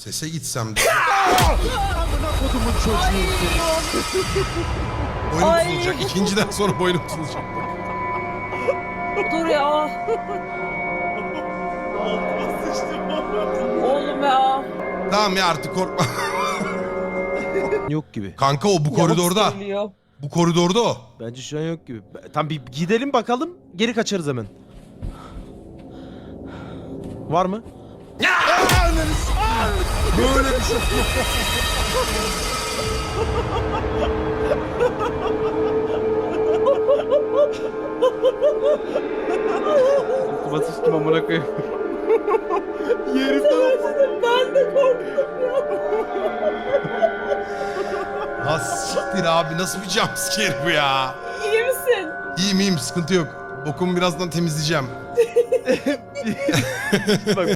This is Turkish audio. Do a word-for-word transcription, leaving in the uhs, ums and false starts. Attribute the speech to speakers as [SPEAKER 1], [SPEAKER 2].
[SPEAKER 1] Sese gitsem de.
[SPEAKER 2] Kodumun çocuğu.
[SPEAKER 1] Boynum
[SPEAKER 3] Ay.
[SPEAKER 1] tutulacak. İkinciden sonra boynum tutulacak.
[SPEAKER 3] Dur ya. Oğlum ya.
[SPEAKER 1] Tamam ya artık korkma.
[SPEAKER 2] Yok gibi.
[SPEAKER 1] Kanka o bu koridorda.
[SPEAKER 3] Yavuk söylüyor.
[SPEAKER 1] Bu koridorda o.
[SPEAKER 2] Bence şu an yok gibi. Tam bir gidelim bakalım. Geri kaçarız hemen. Var mı?
[SPEAKER 1] Böyle bir şey.
[SPEAKER 2] Altıma sıçtım amına koyayım. Yerimden
[SPEAKER 3] Ben de korktum ya.
[SPEAKER 1] Ha siktir abi nasıl bir jumpscare bu ya.
[SPEAKER 3] İyi misin?
[SPEAKER 1] İyiyim iyiyim sıkıntı yok. Bokumu birazdan temizleyeceğim.
[SPEAKER 2] Bak